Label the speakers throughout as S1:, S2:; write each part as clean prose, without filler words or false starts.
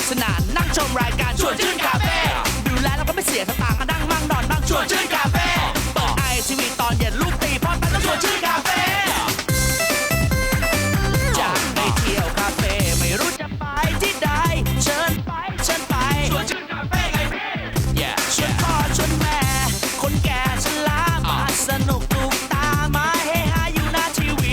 S1: สนานนั่งชมรายการชวนชื่นคาเฟ่ดูแลแล้วก็ไม่เสียสตางค์นั่งมั่งนอนบ้างชวนชื่นคาเฟ่เปิดITVตอนเย็นลูกตีพ่อตั้งชวนชื่นคาเฟ่จะไปเที่ยวคาเฟ่ไม่รู้จะไปที่ใดเชิญไปชวนชื่นคาเฟ่ไงพี่ชวนพ่อชวนแม่คนแก่ชรามาสนุกถูกตามาเฮฮาอยู่หน้าทีวี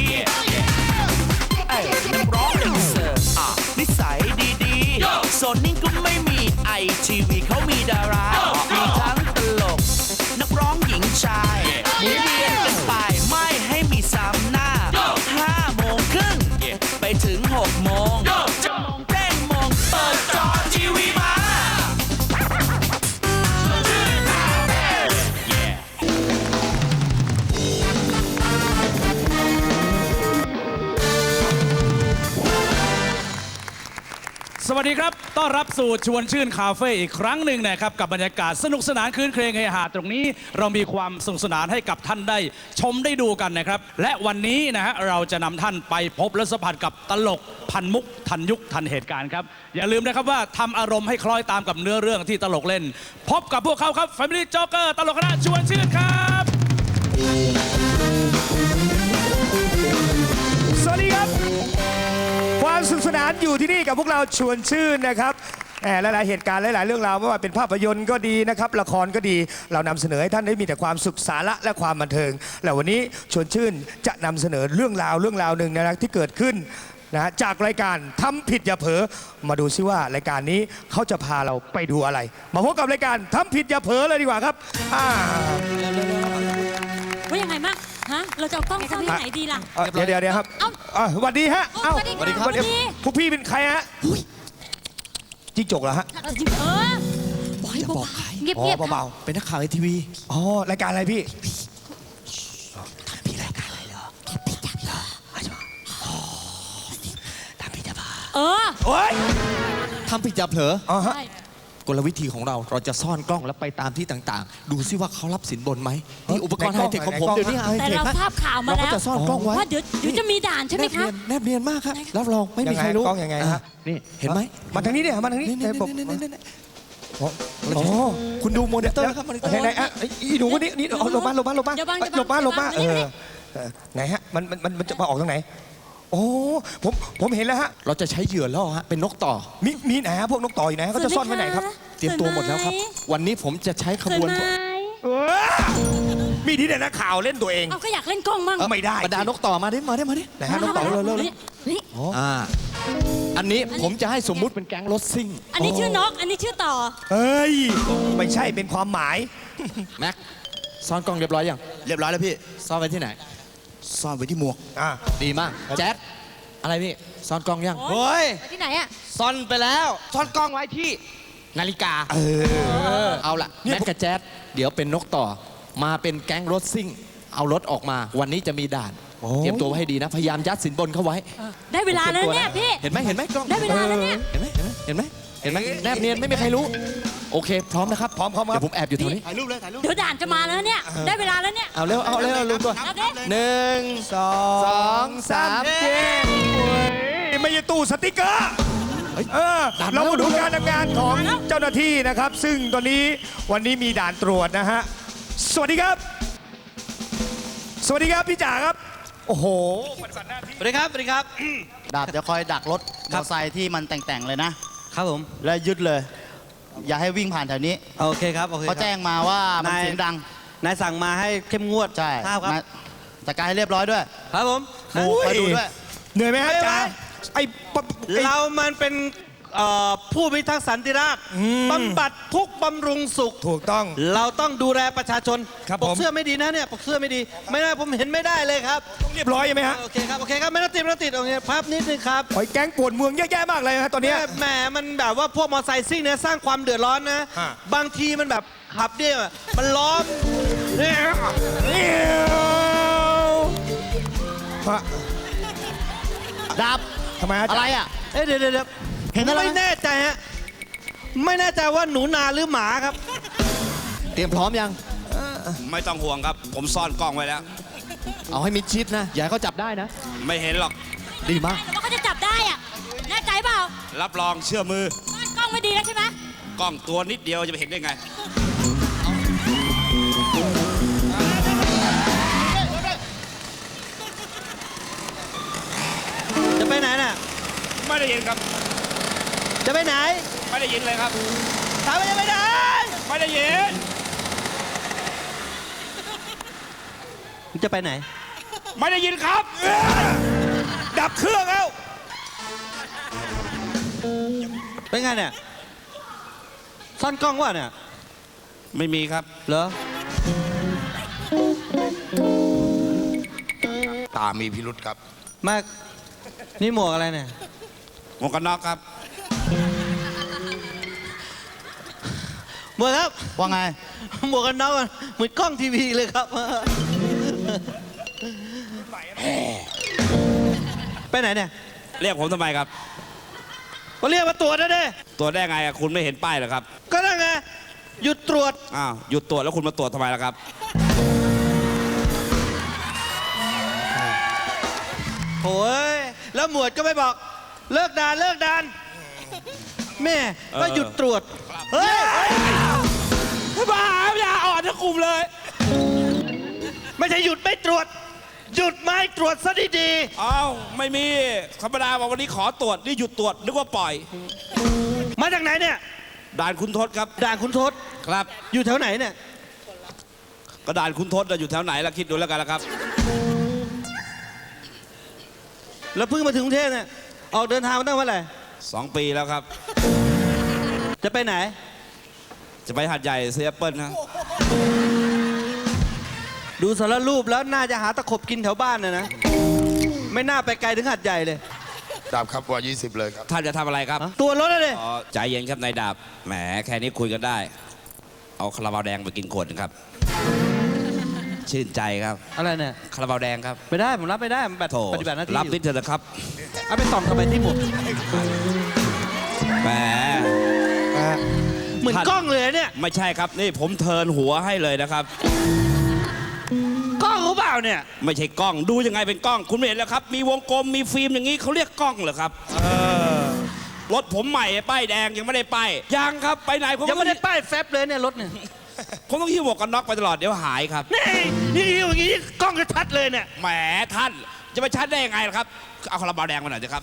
S1: นักร้องหนึ่งเสิร์ฟนิสัยดีๆโซนนิ่งก็ไม่มีITVเขามีดารามีทั้งตลกนักร้องหญิงชายหมุนเวียนกันไปไม่ให้มีซ้ำหน้า5 โมงครึ่งไปถึง6 โมงจะมองเต้นมองเปิดจอทีวีมา
S2: สวัสดีครับต้อนรับสู่ชวนชื่นคาเฟ่อีกครั้งหนึ่งนะครับกับบรรยากาศสนุกสนานคืนเครงเฮฮาตรงนี้เรามีความสนุกสนานให้กับท่านได้ชมได้ดูกันนะครับและวันนี้นะฮะเราจะนำท่านไปพบและสัมผัสกับตลกพันมุกทันยุคทันเหตุการณ์ครับอย่าลืมนะครับว่าทำอารมณ์ให้คล้อยตามกับเนื้อเรื่องที่ตลกเล่นพบกับพวกเขาครับ Family Joker ตลกคณะชวนชื่นครับ
S3: สวัสดีครับความสนุกสนานอยู่ที่นี่กับพวกเราชวนชื่นนะครับหลายๆเหตุการณ์หลายๆเรื่องราวไม่ว่าเป็นภาพยนตร์ก็ดีนะครับละครก็ดีเรานำเสนอให้ท่านได้มีแต่ความสุขสาระและความบันเทิงและวันนี้ชวนชื่นจะนำเสนอเรื่องราวหนึ่งนะครับที่เกิดขึ้นนะจากรายการทำผิดอย่าเผลอมาดูซิว่ารายการนี้เขาจะพาเราไปดูอะไรมาพบกับรายการทำผิดอย่าเผลอเลยดีกว่าครับ
S4: ว่ายังไงมั่งฮะเราจะเอากล้องซ่อนที่ไหนดีล่ะ
S3: เดี๋ยวครับสวัสดีฮะ
S4: สวัสดีครับ
S3: พวกพี่เป็นใครฮะจิ้งจกเหรอฮะ
S4: บอกให้บอกใครเงียบๆ
S3: เบาๆเป็นนักข่าวITVอ๋อรายการอะไรพี่พี่รายการอะไรเหรอทำผิดอย่าเผลอทำผิดอย่าเผลอโอ้ย
S5: ทำผิดอย่าเผลอ
S3: ฮะ
S5: กลวิธีของเราจะซ่อนกล้องแล้วไปตามที่ต่างๆดูซิว่าเขารับสินบนไหมนี่อุปกรณ์ไฮเทคของผมเดี๋ยวนี้ไฮเทค
S4: แต่เราทราบข่าวมาแล้ว
S5: เราก็จะซ่อนกล้องไว้
S4: ว่าเดี๋ยวจะมีด่านใช่ไหมครับ
S5: แนบเนียนมากครับรับรองไม่มีใครรู้
S3: กล้องยังไงฮะ
S5: นี่เห็นไหม
S3: มาทางนี้เนี่ยมาทางนี้
S5: คุณดูโมนิเตอร์ครับ
S3: ไหนอีหนูนี่ลงมาไหนฮะมันจะมาออกทางไหนโอ้ผมเห็นแล้วฮะ
S5: เราจะใช้เหยื่อล่อฮะเป็นนกต่อ
S3: มีไหนฮะพวกนกต่ออยู่ไหนเขาจะซ่อนไว้ไหนครับ
S5: เตรียมตัวหมดแล้วครับวันนี้ผมจะใช้ขบวน
S3: มีที่ไหนนักข่าวเล่นตัวเอง
S4: ก็อยากเล่นกล้องมั่ง
S3: ไม่ได้
S5: บรรดานกต่อมาดิ
S3: ไหนฮะนกต่อเร็ว
S5: อันนี้ผมจะให้สมมุติเป็นแก๊งรถซิ่ง
S4: อันนี้ชื่อนกอันนี้ชื่อต่อ
S3: เฮ้ยไม่ใช่เป็นความหมาย
S5: แม็กซ่อนกล้องเรียบร้อยยัง
S6: เรียบร้อยแล้วพี่
S5: ซ่อนไว้ที่ไหน
S6: ซ่อนไว้ที่หมวก
S5: ดีมากแจ๊ดอะไรพี่ซ่อนกล้องยัง
S6: เฮ้ย
S4: ที่ไหนอะ
S6: ซ่อนไปแล้วซ่อนกล้องไว้ที่นาฬิกา
S5: เอาล่ะแม็กกับแจ๊ดเดี๋ยวเป็นนกต่อมาเป็นแก๊งรถซิ่งเอารถออกมาวันนี้จะมีด่านเตรียมตัวไว้ให้ดีนะพยายามยัดสินบนเข้าไว้
S4: ได้เวลาแล้วเนี่ยพี่
S5: เห็นไหมกล้อง
S4: ได้เวลาแล้วเนี่ย
S5: เห็นไหมแนบเนียนไม่มีใครรู้โอเคพร้อมนะครับ
S3: พร้อมครับ
S5: เดี๋ยวผมแอบอยู่ตรงนี้
S6: ถ่ายรูปเลย
S4: เดี๋ยวด่านจะมาแล้วเนี่ยได้เวลาแล้วเนี่ย
S5: เอาเร็วรู้ตัว1 2 3
S3: ไม่ใช่ตู้สติ๊กเกอร์เรามาดูการทำงานของเจ้าหน้าที่นะครับซึ่งตอนนี้วันนี้มีด่านตรวจนะฮะสวัสดีครับพี่จ๋าครับโอ้โห
S6: สวัสดีครับดาบจะคอยดักรถมอเตอร์ไซค์ที่มันแต่งๆเลยนะครับผมแล้วยึดเลยอย่าให้วิ่งผ่านแถวนี้
S7: โอเคครับ
S6: เขาแจ้งมาว่ามันเสียงดัง
S7: นายสั่งมาให้เข้มงวด
S6: ใช่
S7: ครับ
S6: จัดการให้เรียบร้อยด้วย
S7: ครับผม
S6: คอยดูด้วย
S3: เหนื่อยไหมฮะจ๋า
S7: เรามันเป็นผู้พิทักษ์สันติราษฎร์บำบัดทุกบำรุงสุข
S3: ถูกต้อง
S7: เราต้องดูแลประชาชนปกเสื้อไม่ดีนะเนี่ยปกเสื้อไม่ดีไม่ได้ผมเห็นไม่ได้เลยครับ
S3: ต้องเรียบร้อยใช่ไหมฮะ
S7: โอเคครับไม่ต้องติดโอเคภาพนิดนึงครับ
S3: ไอ้แก๊งปวดเมืองเยอะแยะมากเลยฮะตอนนี้
S7: แหมมันแบบว่าพวกมอเตอร์ไซค์ซิ่งเนี่ยสร้างความเดือดร้อนนะบางทีมันแบบขับเนี่ยมันล้อม
S6: ดับ
S3: ทำไม
S6: อะไรอ่ะ
S7: เดี๋ยว
S6: เห็นอะไร
S7: ไม่แน่ใจฮะไม่แน่ใจว่าหนูนาหรือหมาครับ
S5: เตรียมพร้อมยัง
S8: ไม่ต้องห่วงครับผมซ่อนกล้องไว้แล้ว
S5: เอาให้มิดชิดนะอย่าให้เขาจับได้นะ
S8: ไม่เห็นหรอก
S5: ดีมาก
S4: แต่ว่าเขาจะจับได้อะแน่ใจเปล่า
S8: รับรองเชื่อมือ
S4: กล้องไม่ดีแล้วใช่ไหม
S8: กล้องตัวนิดเดียวจะไปเห็นได้ไง
S7: จะไปไหนน่ะ
S8: ไม่ได้ยินครับ
S7: จะไปไหน
S8: ไม่ได้ยินเลยครับ
S7: ถามว่าจะไปไหน
S8: ไม่ได้ยิน
S7: มึงจะไปไหน
S8: ไม่ได้ยินครับ
S3: ดับเครื่องแล้ว
S7: เป็นไงเนี่ย ซ่อนกล้องวะเนี่ย
S8: ไม่มีครับ
S7: เหรอ
S9: ตามีพิรุษครับ
S7: มาก นี่หมวกอะไรเนี่ย
S8: หมวกกันน็อกครับ
S7: หมวกครับ
S6: ว่าไง
S7: หมวกกันน็อกอะเหมือนกล้องทีวีเลยครับ ไปไหนเนี่ย
S8: เรียกผมทำไมครับ
S7: ก็เรียกมาตรวจนะเด้
S8: ตัวจได้ไงอะคุณไม่เห็นป้ายเหรอครับ
S7: ก็นั่นไง หยุดตรวจ
S8: อ้าว หยุดตรวจแล้วคุณมาตรวจทำไมล่ะครับ
S7: โอ้ย แล้วหมวดก็ไม่บอก เลิกด่านเลิกด่าน แม่ก็หยุดตรวจ เฮ้ย
S8: บ้าอย่าอ่อนทั้งกลุ่มเลย
S7: ไม่ใช่หยุดไม่ตรวจ หยุดไม่ตรวจซะดี
S8: อ้าวไม่มีธรรมดาบอกวันนี้ขอตรวจนี่หยุดตรวจนึกว่าปล่อย
S7: ๆ มาจากไหนเนี่ย
S8: ด่านคุณทศครับ
S7: ด่านคุณทศ
S8: ครับ
S7: อยู่แถวไหนเนี่ย
S8: ก็ด่านคุณทศน่ะอยู่แถวไหนล่ะคิดดูแล้วกันละครับ
S7: แล้วเพิ่งมาถึงกรุงเทพเนี่ย ออกเดินทางมาตั้งเมื่อไหร่
S8: 2 ปีแล้วครับ
S7: จะไปไหน
S8: จะไปหัดใหญ่เซียเปิลนะ
S7: ดูสารรูปแล้วน่าจะหาตะขบกินแถวบ้านนะ ไม่น่าไปไกลถึงหัดใหญ่เลย
S9: ดาบครับว่า 20 เลยครับ
S8: ท่านจะทำอะไรครับ
S7: ตัวรถเลย
S8: อ๋อใจเย็นครับนายดาบแหมแค่นี้คุยกันได้ เอาคาราบาวแดงไปกินขวดหนึงครับ ชื่นใจครับ
S7: อะไรเนี่ย
S8: คาราบาวแดงครับ
S7: ไม่ได้ ผมรับไม่ได้ผมแบบ
S8: โถ
S7: ปฏิบัติหน้าที่
S8: รับ
S7: อยู่
S8: นิดเถอะนะครับ
S7: เอาไปต่อมเข้าไปที่หมวก
S8: แหม
S7: เหมือนกล้องเลยเนี่ย
S8: ไม่ใช่ครับนี่ผมเทิร์นหัวให้เลยนะครับ
S7: กล้องเขาเปล่าเนี่ย
S8: ไม่ใช่กล้องดูยังไงเป็นกล้อง คุณไม่เห็นแล้วครับ มีวงกลมมีฟิล์มอย่างนี้เขาเรียกกล้องเหรอครับรถผมใหม่ป้ายแดงยังไม่ได้ป้ายยังครับไปไหนผม
S7: ยังไม่ได้ป้ายแฟบเลยเนี่ยรถเนี่ย
S8: ผมต้องหิ้วหมวกกันน็อกไปตลอดเดี๋ยวหายครับ
S7: นี่อย่างนี้กล้องจะชัดเลยเนี่ย
S8: แหมท่านจะไปชัดได้ยังไงล่ะครับ เอาคาราบาวแดงมาหน่อยสิครับ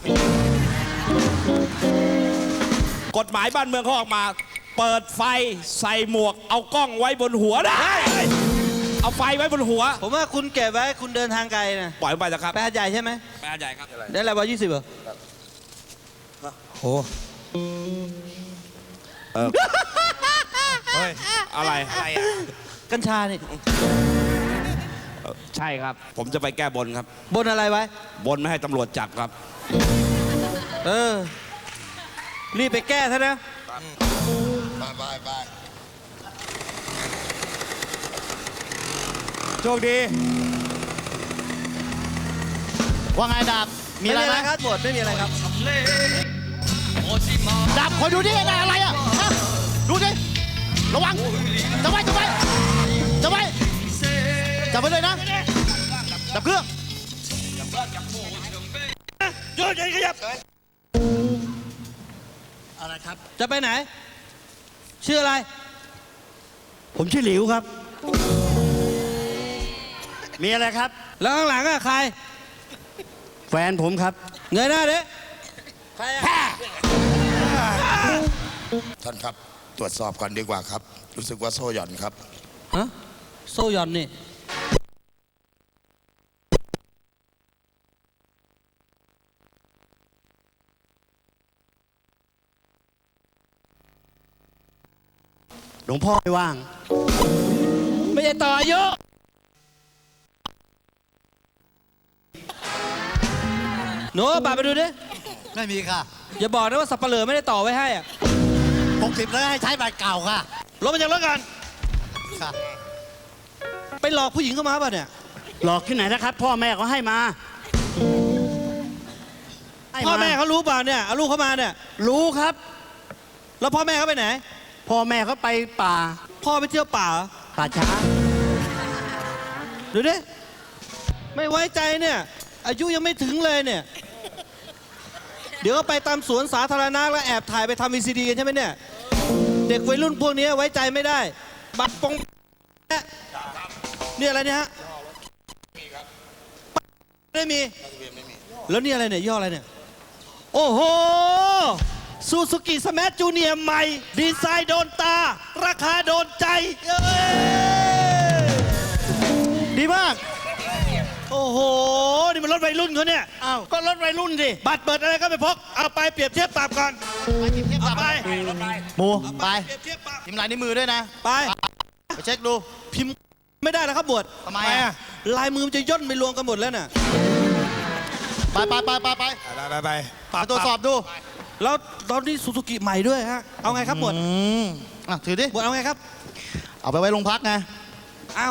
S8: กฎหมายบ้านเมืองเขาออกมา เปิดไฟใส่หมวก เอากล้องไว้บนหัวได้ เอาไฟไว้บนหัว
S7: ผมว่าคุณเก็บไว้คุณเดินทางไกลนะ
S8: ปล่อยมันไปนะครับ
S7: ไปหาดใหญ่ใช่ไหม
S8: ไปหาดใหญ่ครับ
S7: ได้อะไรวะ20เหรอ
S3: โอ้
S8: อะไร
S7: กัญชานี่
S8: ใช่ครับ ผมจะไปแก้บนครับ
S7: บนอะไรไว้
S8: บนไม่ให้ตำรวจจับครับ
S7: เออ รีบไปแก้ซะนะ
S9: บาย
S3: โชคดี
S6: ว่าไงดาบ มีอะไรไหม
S7: ครับหมวดไม่มีอะไรครับ
S6: ดาบคอยดูดิอะไรอ่ะฮะดูดิ ระวังจับไว้จับไว้จับไว้จับไว้เลยนะ ดับเครื่อง
S7: หยุดขยับ
S6: อะไรครับ
S7: จะไปไหน ชื่ออะไร
S6: ผมชื่อหลิวครับ มีอะไรครับ
S7: แล้วข้างหลังอะใคร
S6: แฟนผมครับ
S7: เงยหน้าดิใครอะ
S9: ท่านครับ ตรวจสอบก่อนดีกว่าครับ รู้สึกว่าโซ่หย่อนครับ
S7: ฮะโซ่หย่อนนี่
S6: หลวงพ่อไม่ว่าง
S7: ไม่ใช่ต่ออายุหนูเอาบัตรไปดูดิ
S6: ไม่มีค่ะ
S7: อย่าบอกนะว่าสับปะเหร่อไม่ได้ต่อไว้ให้อะ
S6: 60แล้วให้ใช้บัตรเก่าค่ะ
S7: ลงมาจากรถกัน
S6: ค่ะ
S7: ไปหลอกผู้หญิงเข้ามาป่ะเนี่ย
S6: หลอกที่ไหนนะครับ พ่อแม่เขาให้มาให้า
S7: พ่อแม่เขารู้เปล่าเนี่ย เอาลูกเขามาเนี่ย
S6: รู้ครับ
S7: แล้วพ่อแม่เขาไปไหน
S6: พ่อแม่เขาไปป่า
S7: พ่อไปเที่ยวป่าเหรอ
S6: ป่าช้า
S7: ดูดิ ไม่ไว้ใจเนี่ย อายุยังไม่ถึงเลยเนี่ยเดี๋ยวก็ไปตามสวนสาธารณะแล้วแอบถ่ายไปทำ VCD กันใช่ไหมเนี่ย เด็กวัยรุ่นพวกนี้ไว้ใจไม่ได้ บัตรปงนี่อะไรเนี่ยฮะไม่มี แล้วนี่อะไรเนี่ยย่ห้ออะไรเนี่ย โอ้โหซูซูกิสมาร์ทจูเนียร์ใหม่ ดีไซน์โดนตา ราคาโดนใจเอ้ย
S6: ดีมาก
S7: โอ้โห นี่มันรถวัยรุ่นเขาเนี่ย
S6: อ้าว ก็รถวัยรุ่นสิ
S7: บัตรเปิดอะไรก็ไปพก เอาไปเปรียบเทียบปรับก่อนเอาไป
S6: หมูไป
S7: เปรียบเทียบปรับ
S6: พิมพ์ลายนิ้วมือด้วยนะ
S7: ไป
S6: ไปเช็คดู
S7: พิมพ์ไม่ได้แล้วครับบวช
S6: ทำไมอ่ะ
S7: ลายมือมันจะย่นไปรวมกันหมดแล้วน่ะ
S6: ไปไปไปไปไป
S3: ไป
S6: ไปตรวจสอบดู
S7: แล้วตอนนี้ซูซูกิใหม่ด้วยฮะ เอาไงครับบวช
S6: อ่ะถือดิ
S7: บวชเอาไงครับ
S6: เอาไปไว้โรงพักไง
S7: เอา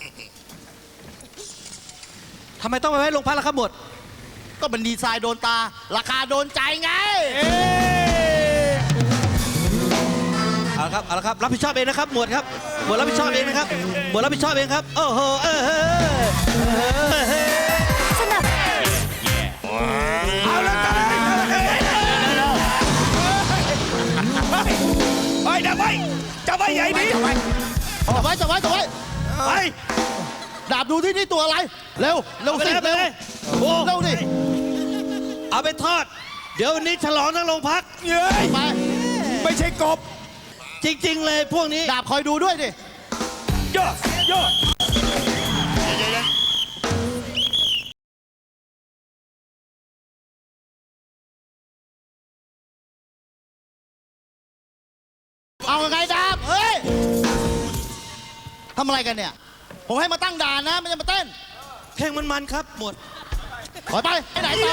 S7: ทำไมต้องไปไว้โรงพักล่ะครับบวช
S6: ก็เป็นดีไซน์โดนตา ราคาโดนใจไง
S7: เอาละครับ เอาละครับ รับผิดชอบเองนะครับหมวดครับหมวดรับผิดชอบเองนะครับหมวดรับผิดชอบเองครับ โอ้โห
S3: เอาแล้วกันเฮ้ยจับไว้จับไว้ใหญ่ดิ
S6: จับไว้จับไว้จับไว้
S7: ไป
S6: ดาบดูที่นี่ตัวอะไร เร็ว เร็ว
S7: เอาไป
S6: สิ
S7: เลยไป
S6: เร็ว
S7: เลยโอ้
S6: เร็วดิ
S7: เอาไปทอด เดี๋ยววันนี้ฉลองทั้งโรงพัก
S3: เย้ย
S6: ไป
S3: ไม่ใช่กบ
S7: จริง ๆ เลยพวกนี้
S6: ดาบคอยดูด้วยดิ
S3: เยอะเยอะ
S6: เอาไงดาบ เฮ้ย ทำอะไรกันเนี่ย ผมให้มาตั้งด่านนะ ไม่ใช่มาเต้น
S7: เพลงมันๆครับหมวด
S6: ถอยไปไปไหนต่อ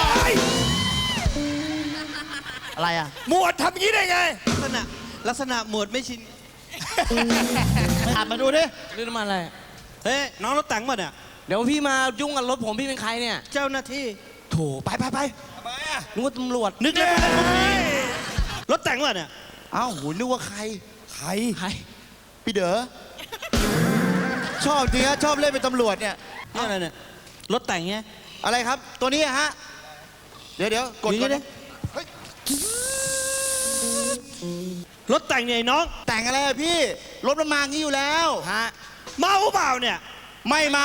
S6: อะไรอ่ะ
S3: หมวดทำอย่างนี้ได้ไง
S7: ลักษณะหมวดไม่ชิน
S6: อ่านมาดูดิ
S5: เรื่องน้ำมันอะไร
S7: เฮ้ย น้องรถแต่งมาเนี่ย
S5: เดี๋ยวพี่มายุ่งกับรถผมพี่เป็นใครเนี่ย
S7: เจ้าหน้าที่
S5: โถไปนึกว่าตำรวจ
S7: นึกแล้วรถแต่งมาเนี่ย
S6: อ้าวโหนึกว่าใคร
S3: ใคร
S6: พี่เด๋อ ชอบจริงฮะชอบเล่นเป็นตำรวจเนี่ย
S7: นี่อะไรเนี่ย รถแต่งเงี้ย
S6: อะไรครับ ตัวนี้อะฮะ เดี๋ยวกด
S7: อย่าง
S6: ก่อ
S7: นี้
S6: น
S7: ดิรถแต่งเนี่ยไอ้น้อง
S6: แต่งอะไรอะพี่ รถมันมางี้อยู่แล้ว ฮะ
S7: เมาเปล่าเนี่ย
S6: ไม่เมา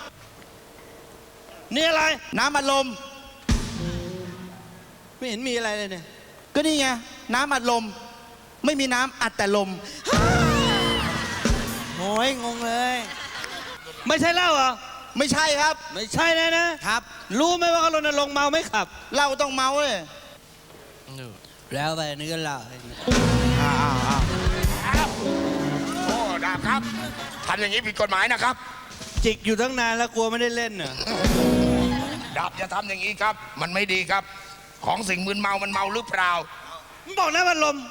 S7: นี่อะไร
S6: น้ำอัดลม
S7: ไม่เห็นมีอะไรเลยเนี่ย
S6: ก็นี่ไง น้ำอัดลม ไม่มีน้ำอัดแต่ลม
S5: โอ้ยงงเลย
S7: ไม่ใช่เหล้าเหรอ
S6: ไม่ใช่ครับ
S7: ไม่ใช่แน่นะครับ รู้ไหมว่าเขารณรงค์เมาไม่ขับ
S6: เราต้องเมาเลย
S7: แล้วไปนี่ก็เหล้า
S9: โอ้ดาบครับทำอย่างนี้ผิดกฎหมายนะครับ
S7: จิกอยู่ตั้งนานแล้วกลัวไม่ได้เล่นน่ะ
S9: ดาบอย่าทำอย่างนี้ครับ มันไม่ดีครับ ของสิ่งมึนเมามันเมาหรือเปล่า
S7: มึงบอกนะมันลม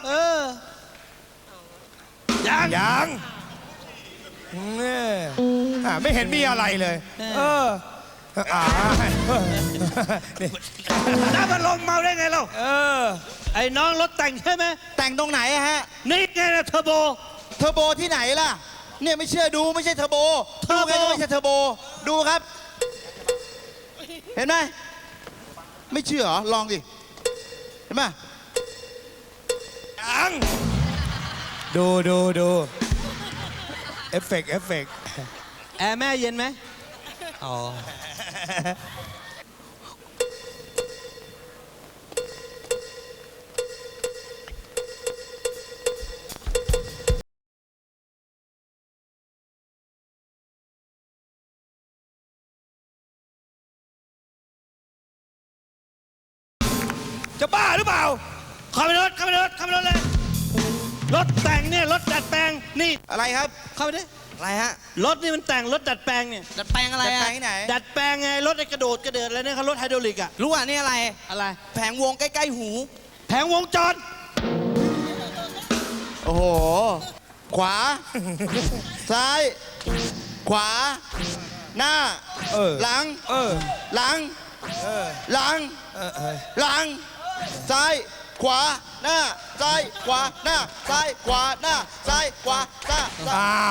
S7: ยัง
S3: ยังเนี่ยไม่เห็นมีอะไรเลย เออนี่
S7: น้ำมันลมเมาได้ไงเรา ไอ้น้องรถแต่งใช่ไหม
S6: แต่งตรงไหนอะฮะ
S7: นี่ไงนะเทอร์โบ
S6: เทอร์โบที่ไหนล่ะ เนี่ยไม่เชื่อดูไม่ใช่เทอร์โบ
S7: เทอ
S6: ดู
S7: ร์โบ
S6: ไงก็ไม่ใช่เทอร์โบ ดูครับ เห็นไหม ไม่เชื่อเหรอ ลองดิ เห็นไหม
S3: ยังดูเอฟเฟกต์
S7: แอร์แม่เย็นไหมอ๋อ
S3: จะบ้าหรือเปล่า
S7: เข้าไปรถเลย รถแต่งเนี่ยรถดัดแปลง นี่
S6: อะไรครับ
S7: เข้าไปดิ
S6: อะไรฮะ
S7: รถนี่มันแต่งรถดัดแปลงเนี่ย
S5: ดัดแปลงอะไร
S6: จะ
S5: อะ
S6: ไปที่ไหน
S7: ดัดแปลงไงรถไอ้กระโดดอะไรเนี่ยเขารถไฮดรอลิกอะ
S5: รู้อ่ะนี่อะไร
S7: อะไร
S5: แผงวงใกล้ๆหู
S7: แผงวงจร
S6: โอ้โห ขวา ซ้าย ขวา หน้า หลัง หลัง หลัง หลัง ซ้าย ขวา หน้า ซ้าย ขวา หน้า ซ้าย ขวา หน้า ซ้าย ขวา หน้า
S3: อ้าว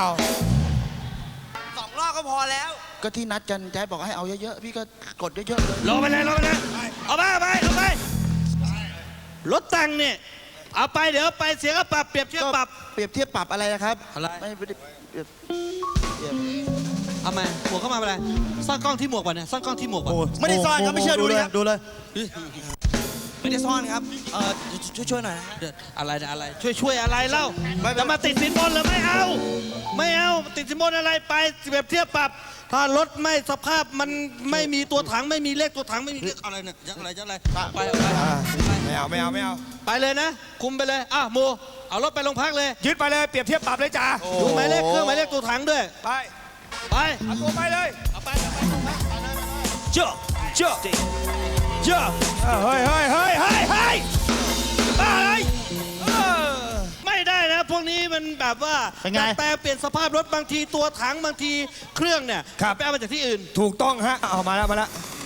S5: 2 รอบก็พอแล้ว
S6: ก็ที่นัดกันแจ๊ดบอกให้เอาเยอะๆ พี่ก็กดเยอะๆเลย
S7: ลงไปเลย เอาไปรถแต่งเนี่ยเอาไปเดี๋ยวไปเสียก็ปรับเปรียบเทียบปรับ
S6: เปรียบเทียบปรับอะไรนะครับ
S7: อะไร
S6: ไม่ได้เปรียบ
S7: เอามาหมวกเข้ามาเป็นไรซ่อนกล้องที่หมวกป่ะเนี่ยซ่อนกล้องที่หมวกป่ะ
S6: ไม่ได้ซ่อนครับไม่เชื่อดูเลยครับ
S7: ดูเลย
S6: ไม่ได้ซ่อนครับช่วยหน่อยนะ
S7: เดี๋ยวอะไรนะอะไรช่วยอะไรเล่า
S6: ไม่
S7: จะมาติดสินบนหรือไม่เอา ไม่เอาติดสินบนอะไรไปเปรียบเทียบปรับ ถ้ารถไม่สภาพมันไม่มีตัวถังไม่มีเลขตัวถังไม่มีเลขอะไรเนี่ยจะอะไรไปเอาไป
S3: ไม่เอาไม่เอาไม่เอา
S7: ไปเลยนะ คุมไปเลยหมูเอารถไปโรงพักเลย
S3: ยึดไปเลยเปรียบเทียบปรับเลยจ้า
S7: ดูหมายเลขเครื่องหมายเลขตัวถังด้วย
S3: ไป
S7: ไป
S3: เอาตัวไปเลย
S7: เอาไป
S3: เจ้าเจ้าเจ้าเฮ้ยเฮ้ยเฮ้ยเฮ้ยเฮ้ยบ้าเลย
S7: ไม่ได้นะพวกนี้มันแบบว่า
S6: เป็นไง
S7: ดัดแปลงเปลี่ยนสภาพรถบางทีตัวถังบางทีเครื่องเนี่ยไปเอามาจากที่อื่น
S3: ถูกต้องฮะเอามาแล้วมาแล้ว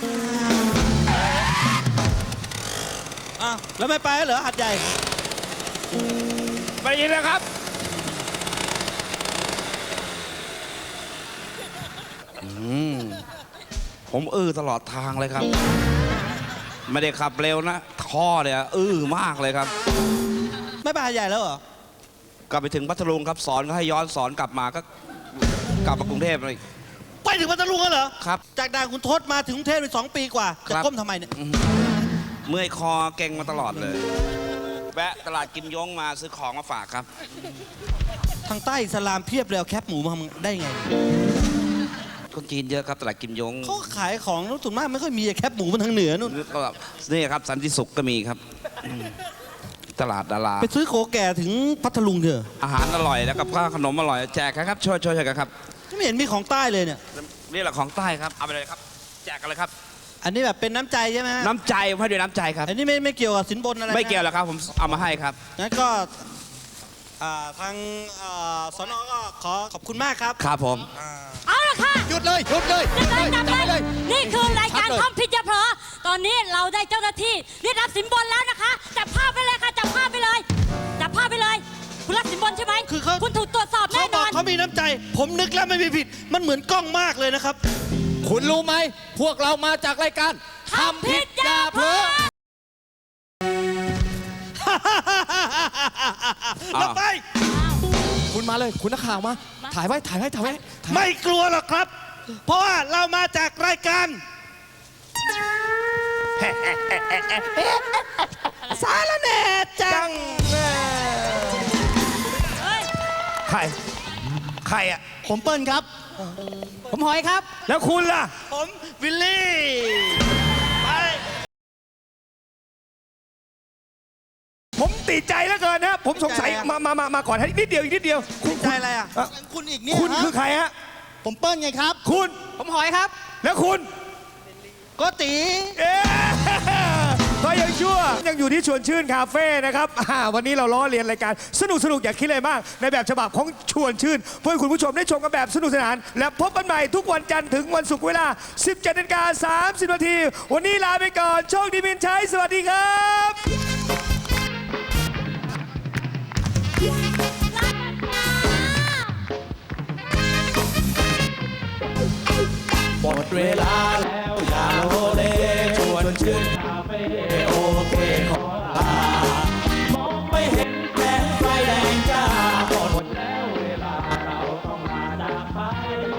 S7: อ้าวแล้วไม่ไปเหรอหัดใหญ่
S3: ไปยินแล้วครับ
S8: ผมตลอดทางเลยครับ ไม่ได้ขับเร็วนะท่อเนี่ยมากเลยครับ
S7: ไม่ไปหัดใหญ่แล้วเหรอ
S8: กลับไปถึงพัทลุงครับสอนก็ให้ย้อนสอนกลับมาก็กลับมากรุงเทพเลย
S7: ไปถึงพัทลุงแล้วเหรอ
S8: ครับ
S7: จากด่านคุณทศมาถึงกรุงเทพไป2 ปีกว่า
S8: ค
S7: จะ
S8: รับ
S7: ก้มทำไมเนี่ย
S8: เมื่อยคอเก่งมาตลอดเลย แวะตลาดกิมยงมาซื้อของมาฝากครับ
S7: ทางใต้อิสลามเพียบเลยเอาแคปหมูมาทำได้ไง
S8: คนจีนเยอะครับตลาดกิมยง
S7: เขาขายของนู้นส่วนมากไม่ค่อยมีแคปหมูมันทางเหนือนู่น
S8: ก็นี่ครับสันติสุขก็มีครับตลาดดารา
S7: ไปซื้อโคแก่ถึงพัทลุงเถอะ
S8: อาหารอร่อยแล้วกับข้าวขนมอร่อยแจกครับช่วยกันครับ
S7: ไม่เห็นมีของใต้เลยเนี่ย
S8: นี่แหละของใต้ครับเอาไปเลยครับ แจกกันเลยครับ
S7: อันนี้แบบเป็นน้ำใจใช่ไหมฮะ
S8: น้ำใจผมให้ด้วยน้ำใจครับ
S7: อันนี้ไม่เกี่ยวกับสินบนอะไรนะ
S8: ไม่เกี่ยวหรอกครับผมเอามาให้ครับ
S7: งั้นก็ทางสนก็ขอขอบคุณมากครับ
S8: ครับผม
S4: เอาละค่ะ
S6: หยุดเลยหยุดเลย
S4: จับเลยนี่คือรายการท่องผิดอย่าเผลอตอนนี้เราได้เจ้าหน้าที่เรียกรับสินบนแล้วนะคะจับภาพไปเลยค่ะจับภาพไปเลยจับภาพไปเลย คุณรับสินบนใช่ไหม
S7: คือเขา
S4: คุณถูกตรวจสอบ
S7: เขา
S4: แน่
S7: บ
S4: น
S7: อ
S4: อก น
S7: เขามีน้ำใจ ผมนึกแล้วไม่มีผิด มันเหมือนกล้องมากเลยนะครับ
S5: คุณรู้ไหม พวกเรามาจากรายการ
S4: ทำผิดอย่าเผลอ
S7: เราไป
S5: คุณมาเลย คุณนักข่าวมา ถ่ายไว้ ถ่ายไว้ ถ่ายไว้
S7: ไม่กลัวหรอกครับ เพราะว่าเรามาจากรายการ สารแหน่จัง
S3: ใครใครอ่ะ
S6: ผมเปิ้ลครับ
S3: ผมหอยครับ แล้วคุณล่ะ
S7: ผมวิลลี่ ไป
S3: ผมติดใจแล้วเกินนะผมสงสัย
S6: ติดใจอะ
S3: มาก่อนให้นิดเดียวอีกนิดเดียวคุณ
S7: ใจอะไรอ่ะ
S3: เอ่อ
S6: คุณอีกเนี่ย
S3: คุณคือใครฮะ
S6: ผมเปิ้ลไงครับ
S3: คุณ
S7: ผมหอยครับ
S3: แล้วคุณ
S7: โกติ
S3: เอ๊ะก็ยังชั่วยังอยู่ที่ชวนชื่นคาเฟ่นะครับวันนี้เราล้อเลียนรายการสนุกอย่าคิดอะไรมาก ในแบบฉบับของชวนชื่น เพื่อให้คุณผู้ชมได้ชมกันแบบสนุกสนาน และพบกันใหม่ทุกวันจันทร์ถึงวันศุกร์เวลา 17:30 น. วันนี้ลาไปก่อนโชคดีมินชัยสวัสดีครับ
S2: หมดเวลาแล้วอย่าโลเลชวนชื่นคาเฟ่โอเคขอลามองไม่เห็นแสงไฟแดงจ้าหมดแล้วเวลาเราต้องลาจากไป